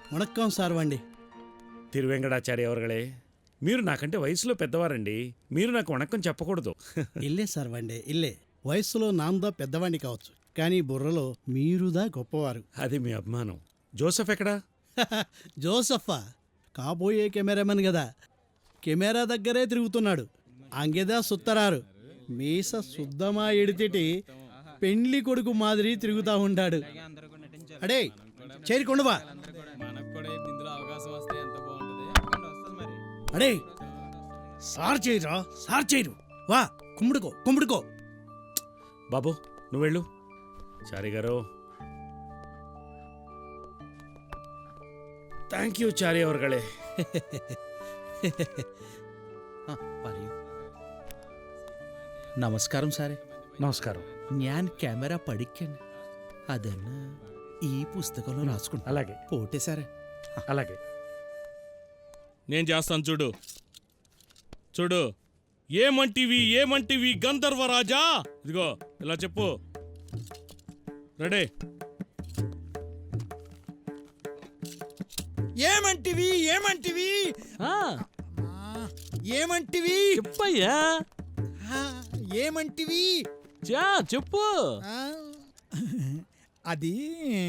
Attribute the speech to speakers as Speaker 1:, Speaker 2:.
Speaker 1: వణక్కం సార్వండి.
Speaker 2: తిరువెంకటాచార్య అవర్గళే, మీరు నాకంటే వయసులో పెద్దవారండి. మీరు నాకు వణక్కం చెప్పకూడదు.
Speaker 1: ఇల్లే సార్వండి, ఇల్లే. వయస్సులో నాందా పెద్దవాణ్ణి కావచ్చు, కానీ బుర్రలో మీరుదా గొప్పవారు.
Speaker 2: అది మీ అభిమానం. జోసెఫ్ ఎక్కడా?
Speaker 1: జోసఫా కాబోయే కెమెరామెన్ కదా, కెమెరా దగ్గరే తిరుగుతున్నాడు. అంగెదా సుత్తరారు మీస శుద్ధమా ఎడితిటి పెండ్లి కొడుకు మాదిరి తిరుగుతా ఉంటాడు. అడే చేరికొండువా. అడే సార్ చేయరా, సార్ చేయరు. వా కుమ్ముడుకో కుమ్ముడుకో.
Speaker 2: బాబు నువ్వు వెళ్ళు. చారి గారు, താങ്ക് യു ചാരി അവർകളെ.
Speaker 3: നമസ്കാരം സാറേ.
Speaker 2: నమస్కారం.
Speaker 3: ഞാൻ కెమెరా പഠിക്കാൻ అదన్నా ఈ పుస్తకంలో రాసుకుంటా.
Speaker 2: అలాగే
Speaker 3: పోటే సారే.
Speaker 2: అలాగే.
Speaker 4: నేను చేస్తాను చూడు. చూడు, ఏమంటివి గంధర్వరాజా. ఇదిగో ఇలా చెప్పు. రెడీ.
Speaker 5: ఏమంటివి
Speaker 4: చెప్పయ్యా.
Speaker 5: ఏమంటివి
Speaker 4: చెప్పు.
Speaker 5: అది